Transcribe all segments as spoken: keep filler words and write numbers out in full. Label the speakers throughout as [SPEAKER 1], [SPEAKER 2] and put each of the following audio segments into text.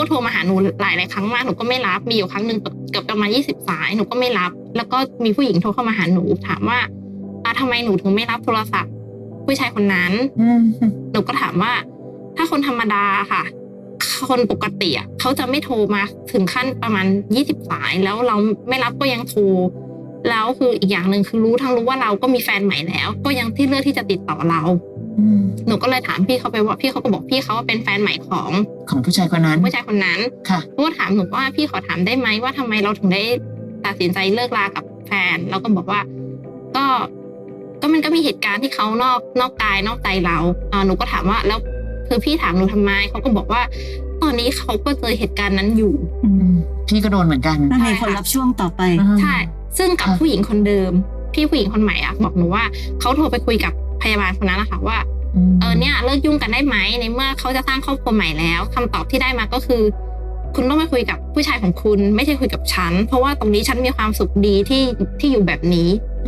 [SPEAKER 1] ก็โทรมาหาหนูหลายหลายครั้งมากหนูก็ไม่รับมีอยู่ครั้งหนึ่งเกือบประมาณยี่สิบสายหนูก็ไม่รับแล้วก็มีผู้หญิงโทรเข้ามาหาหนูถามว่าอ่ะทำไมหนูถึงไม่รับโทรศัพท์ผู้ชายคนนั้นหนูก็ถามว่าถ้าคนธรรมดาค่ะคนปกติอ่ะเขาจะไม่โทรมาถึงขั้นประมาณยี่สิบสายแล้วเราไม่รับก็ยังโทรแล้วคืออีกอย่างหนึ่งคือรู้ทั้งรู้ว่าเราก็มีแฟนใหม่แล้วก็ยังที่เลือกที่จะติดต่อเราหนูก็เลยถามพี่เขาไปว่าพี่เขาก็บอกพี่เขาว่าเป็นแฟนใหม่ของ
[SPEAKER 2] ของผู้ชายคนนั้น
[SPEAKER 1] ผู้ชายคนนั้นค่ะหนูก็ถามหนูว่าพี่ขอถามได้ไหมว่าทำไมเราถึงได้ตัดสินใจเลิกลากับแฟนเราก็บอกว่าก็ก็มันก็มีเหตุการณ์ที่เขานอกนอกกายนอกใจเราอ่าหนูก็ถามว่าแล้วคือพี่ถามหนูทำไมเขาก็บอกว่าตอนนี้เขาก็เจอเหตุการณ์นั้นอยู่
[SPEAKER 2] พี่ก็โดนเหมือนกัน
[SPEAKER 3] มีคนรับช่วงต่อไป
[SPEAKER 1] ใช่ซึ่งกับผู้หญิงคนเดิมพี่ผู้หญิงคนใหม่อ่ะบอกหนูว่าเขาโทรไปคุยกับพยาบาลคนนั้นนะคะว่าเออเนี่ยเลิกยุ่งกันได้ไหมในเมื่อเขาจะสร้างครอบครัวใหม่แล้วคำตอบที่ได้มาก็คือคุณต้องไปคุยกับผู้ชายของคุณไม่ใช่คุยกับฉันเพราะว่าตรงนี้ฉันมีความสุขดีที่ที่อยู่แบบนี้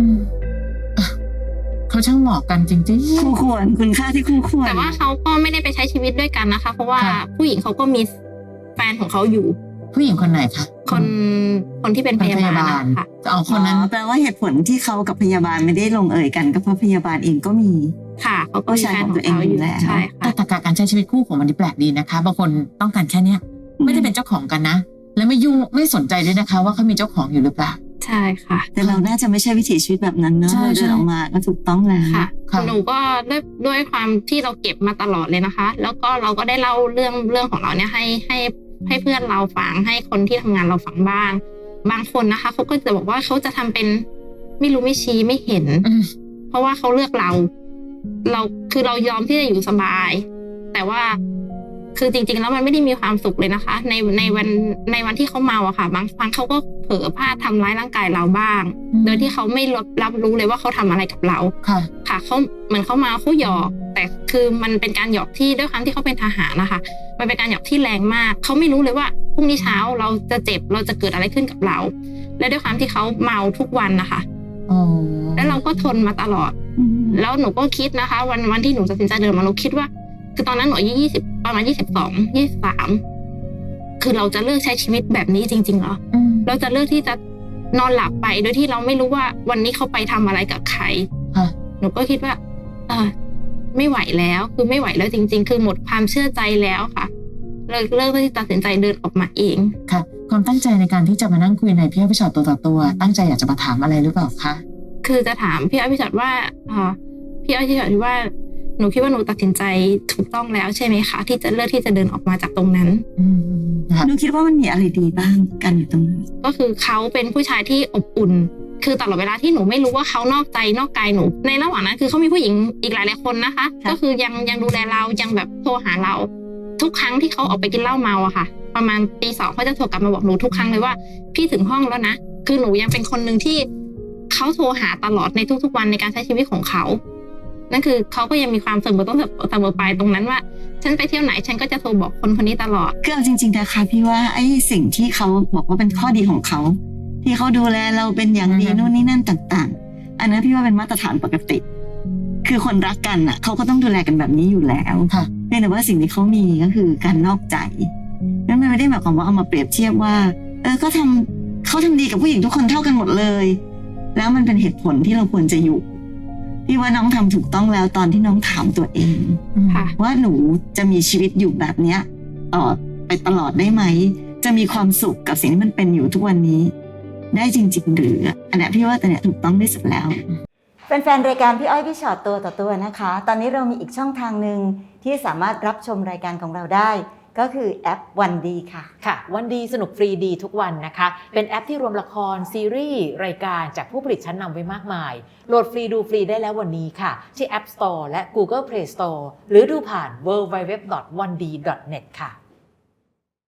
[SPEAKER 2] เขาช่างเหมาะกันจริงๆ
[SPEAKER 3] คู่ควรคุณค่าที่คู่ควร
[SPEAKER 1] แต่ว่าเขาก็ไม่ได้ไปใช้ชีวิตด้วยกันนะคะเพราะว่าผู้หญิงเขาก็มีแฟนของเขาอยู่
[SPEAKER 2] ผู้หญิงคนไหนคะ
[SPEAKER 1] คนคนที่เป็นพยาบาลค่ะ
[SPEAKER 2] เอาคนนั้น
[SPEAKER 3] แปลว่าเหตุผลที่เขากับพยาบาลไม่ได้ลงเอยกันก็เพราะพยาบาลเองก็มี
[SPEAKER 1] ค่ะเขาก็ใช้ของตัวเองอยู่แล้วใช่ค่ะ
[SPEAKER 2] แต่ตรรกะการใช้ชีวิตคู่ของมันนี่แปลกดีนะคะบางคนต้องการแค่เนี้ยไม่ได้เป็นเจ้าของกันนะและไม่ยุ่งไม่สนใจด้วยนะคะว่าเขามีเจ้าของอยู่หรือเปล่า
[SPEAKER 1] ใช่ค่ะ
[SPEAKER 3] แต่เราน่าจะไม่ใช่วิถีชีวิตแบบนั้นเนอะเราเดินออกมาก็ถูกต้องแล้ว
[SPEAKER 1] ค่ะหนูก็ด้วยด้วยความที่เราเก็บมาตลอดเลยนะคะแล้วก็เราก็ได้เล่าเรื่องเรื่องของเราเนี่ยให้ให้ให้เพื่อนเราฟังให้คนที่ทำงานเราฟังบ้างบางคนนะคะเขาก็จะบอกว่าเขาจะทำเป็นไม่รู้ไม่ชี้ไม่เห็นเพราะว่าเขาเลือกเราเราคือเรายอมที่จะอยู่สบายแต่ว่าคือจริงๆแล้วมันไม่ได้มีความสุขเลยนะคะในในวันในวันที่เขาเมาอะค่ะบางครั้งเขาก็เผลอพลาดทำร้ายร่างกายเราบ้างโดยที่เขาไม่รับรับรู้เลยว่าเขาทำอะไรกับเราค่ะค่ะเขาเหมือนเขามาเขาหยอกแต่คือมันเป็นการหยอกที่ด้วยความที่เขาเป็นทหารนะคะมันเป็นการหยอกที่แรงมากเขาไม่รู้เลยว่าพรุ่งนี้เช้าเราจะเจ็บเราจะเกิดอะไรขึ้นกับเราและด้วยความที่เขาเมาทุกวันนะคะแล้วเราก็ทนมาตลอดแล้วหนูก็คิดนะคะวันวันที่หนูตัดสินใจเดินมาหนูคิดว่าคือตอนนั้นหนูอายุยี่สิบประมาณยี่สิบสองยี่สิบสามคือเราจะเลือกใช้ชีวิตแบบนี้จริงๆเหรอเราจะเลือกที่จะนอนหลับไปโดยที่เราไม่รู้ว่าวันนี้เขาไปทำอะไรกับใครหนูก็คิดว่าเออไม่ไหวแล้วคือไม่ไหวแล้วจริงๆคือหมดความเชื่อใจแล้วค่ะเลิกเลิกที่ตัดสินใจเดินออกมาเอง
[SPEAKER 2] ค่ะความตั้งใจในการที่จะมานั่งคุยในพี่อ้อยพี่ชอตตัวต่อตัวตั้งใจอยากจะมาถามอะไรหรือเปล่าคะ
[SPEAKER 1] คือจะถามพี่อ้อยพี่ชอตว่าอ่าพี่อ้อยพี่ชอตว่าหนูคิดว่าหนูตัดสินใจถูกต้องแล้วใช่ไหมคะที่จะเลือกที่จะเดินออกมาจากตรงนั้น
[SPEAKER 3] หนูคิดว่ามันมีอะไรดีบ้างกันอยู่ตรงนั้น
[SPEAKER 1] ก็คือเขาเป็นผู้ชายที่อบอุ่นคือตลอดเวลาที่หนูไม่รู้ว่าเขานอกใจนอกกายหนูในระหว่างนั้นคือเขามีผู้หญิงอีกหลายหลายคนนะคะก็คือยังยังดูแลเรายังแบบโทรหาเราทุกครั้งที่เขาออกไปกินเหล้าเมาอะค่ะประมาณตีสองเขาจะโทรกลับมาบอกหนูทุกครั้งเลยว่าพี่ถึงห้องแล้วนะคือหนูยังเป็นคนหนึ่งที่เขาโทรหาตลอดในทุกๆวันในการใช้ชีวิตของเขานั่นคือเขาก็ยังมีความเสมอต้นเสมอปลายตรงนั้นว่าฉันไปเที่ยวไหนฉันก็จะโทรบอกคนคนนี้ตลอด
[SPEAKER 3] คือเอาจริงๆนะคะพี่ว่าไอ้สิ่งที่เขาบอกว่าเป็นข้อดีของเขาที่เขาดูแลเราเป็นอย่างดีนู่นนี่นั่นต่างๆอันนั้นพี่ว่าเป็นมาตรฐานปกติคือคนรักกันอ่ะเขาก็ต้องดูแลกันแบบนี้อยู่แล้วค่ะเพียงแต่ว่าสิ่งที่เขามีก็คือการนอกใจนั่นไม่ได้หมายความว่าเอามาเปรียบเทียบว่าเออก็ทำเขาทำดีกับผู้หญิงทุกคนเท่ากันหมดเลยแล้วมันเป็นเหตุผลที่เราควรจะอยู่พี่ว่าน้องทำถูกต้องแล้วตอนที่น้องถามตัวเองว่าหนูจะมีชีวิตอยู่แบบเนี้ยต่อไปตลอดได้ไหมจะมีความสุขกับสิ่งที่มันเป็นอยู่ทุกวันนี้ได้จริงๆหรืออันนี้พี่ว่าแต่เนี้ยถูกต้องที่สุดแล้วแฟนๆรายการพี่อ้อยพี่ชอตตัวต่อตัวนะคะตอนนี้เรามีอีกช่องทางหนึ่งที่สามารถรับชมรายการของเราได้ก็คือแอปวันดีค่ะ
[SPEAKER 4] ค่ะวันดีสนุกฟรีดีทุกวันนะคะเป็นแอปที่รวมละครซีรีส์รายการจากผู้ผลิตชั้นนำไว้มากมายโหลดฟรีดูฟรีได้แล้ววันนี้ค่ะที่ App Store และ Google Play Store หรือดูผ่าน ดับเบิลยู ดับเบิลยู ดับเบิลยู ดอท วันดี ดอท เน็ต ค่ะ